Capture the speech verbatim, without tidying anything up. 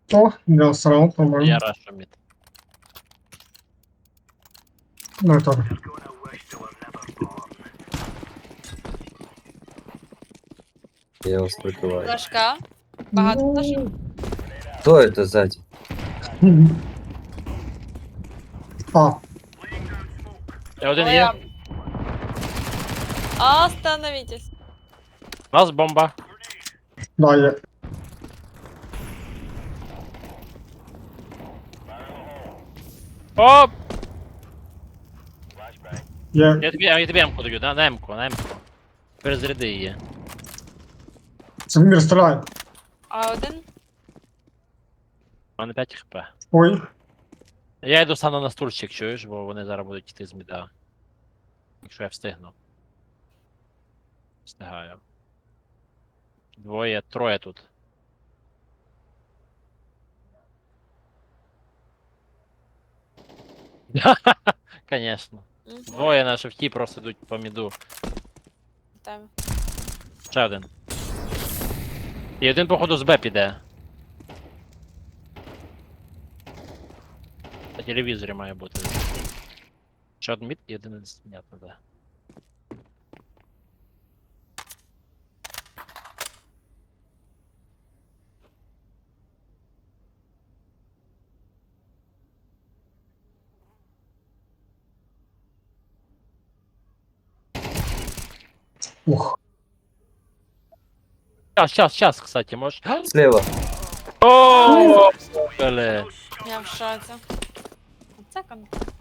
О, я срал, Я по-моему. рашу мід. Ну, это... Я его прикрываю. Флешка. Багато флешок. Кто это сзади? Мгм. А, Я один Ой, є. а- Остановитесь. У нас бомба. да, я... Оп! Я... Я тобі, я тобі М-ку даю, на, на М-ку, на М-ку. Перезаряди її. Самир, стреляй. А один. У мене п'ять хп. Ой, Я йду стану на стульчик, чуєш, бо вони зараз будуть йти з міда. Якщо я встигну. Встигаю. Двоє, троє тут. Конечно. Мгм. Двоє на шифті просто йдуть по міду. Там. Ще один. І один, походу, з Б піде. На телевізорі має бути. Ще один мід і один понятно, де. ух. Сейчас, сейчас, сейчас, кстати, можешь. Слева. О, бля. Я в шоці. Це контакт.